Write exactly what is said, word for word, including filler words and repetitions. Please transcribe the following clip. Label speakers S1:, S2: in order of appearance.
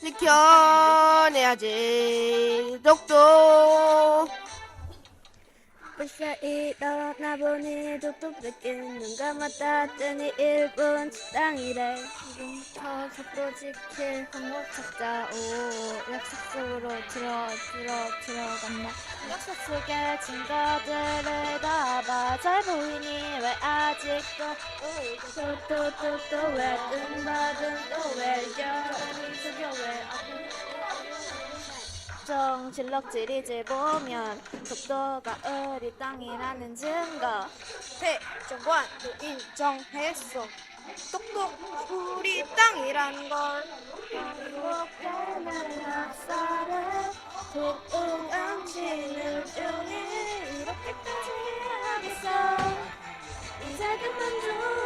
S1: 지켜내야지 독도.
S2: 벌써 일어나 보니 독도 뺏긴 눈 감았다더니 일본 땅이래. 지금부터 독도 지킬 방법 찾자. 오, 약속 속으로 들어 들어 들어간다. 약속 속에 증거들을 담아 잘 보이니 왜 아직도 또또또또왜 뜬받은 또왜 여름이 속여 왜 정실럭질이지 보면 독도가 우리 땅이라는 증거.
S1: 대정관도 인정했어. 독도 우리 땅이라는 걸.
S2: 행복한 역사를 독도강치는 중에 이렇게까지 하겠어. 이제 그만 좀